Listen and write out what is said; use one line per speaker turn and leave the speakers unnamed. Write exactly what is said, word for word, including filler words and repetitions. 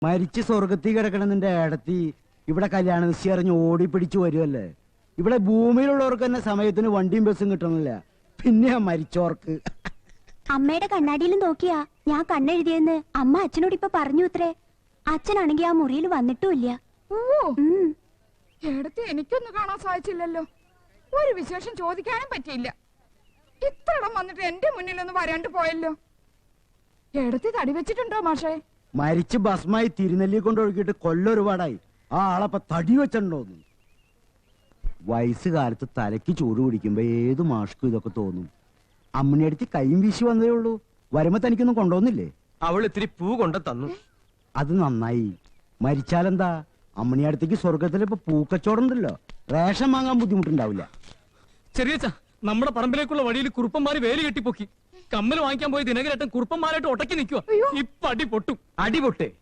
മരിച്ച് സ്വർഗത്തിൽ കിടക്കണം നിന്റെ ഏടത്തി ഇവിടെ കല്യാണ നിശ്ചയം അറിഞ്ഞ് ഓടി പിടിച്ചു വരുമല്ലേ. ഇവിടെ ഭൂമിയിലുള്ളവർക്ക് തന്നെ സമയത്തിന് വണ്ടിയും ബസ്സും കിട്ടണില്ല, പിന്നെ മരിച്ചോർക്ക്.
അമ്മയുടെ കണ്ണാടിയിലും നോക്കിയാ ഞാൻ കണ്ണെഴുതിയെന്ന് അമ്മ അച്ഛനോട് ഇപ്പൊ പറഞ്ഞു ഇത്രേ. അച്ഛനാണെങ്കി ആ മുറിയിൽ വന്നിട്ടുമില്ല.
ഏടത്തി എനിക്കൊന്നും കാണാൻ സാധിച്ചില്ലല്ലോ. ഒരു വിശേഷം ചോദിക്കാനും പറ്റിയില്ല. ഇത്ര ഇടം വന്നിട്ട് എന്റെ മുന്നിലൊന്നും വരാണ്ട് പോയല്ലോ. ഏടത്തി തടി വെച്ചിട്ടുണ്ടോ മാഷേ?
മരിച്ച് ഭസ്മായി തിരുനെല്ലി കൊണ്ടൊഴുകിയിട്ട് കൊല്ലൊരുപാടായി. ആ ആളപ്പ തടി വെച്ചിട്ടുണ്ടോന്ന്. വയസ്സുകാലത്ത് തലയ്ക്ക് ചൂട് പിടിക്കുമ്പോ ഏത് മാഷ്ക്കും ഇതൊക്കെ തോന്നും. അമ്മണിയടുത്ത് കൈയും വീശി വന്നതേ ഉള്ളൂ. വരുമ്പോ തനിക്കൊന്നും കൊണ്ടുവന്നില്ലേ?
അവൾ ഇത്തിരി പൂ കൊണ്ട് തന്നു.
അത് നന്നായി. മരിച്ചാലെന്താ, അമ്മണിയടുത്തേക്ക് സ്വർഗത്തിൽ ഇപ്പൊ പൂക്കച്ചോടം ഉണ്ടല്ലോ, റേഷൻ വാങ്ങാൻ ബുദ്ധിമുട്ടുണ്ടാവില്ല.
ചെറിയ നമ്മുടെ പറമ്പിലേക്കുള്ള വഴിയിൽ കുറുപ്പന്മാര് വേലി കെട്ടിപ്പൊക്കി. കമ്മൽ വാങ്ങിക്കാൻ പോയി ദിനകരേട്ടൻ കുറുപ്പന്മാരായിട്ട് ഒട്ടക്കി നിൽക്കുക. ഇപ്പൊ അടി പൊട്ടും. അടി പൊട്ടേ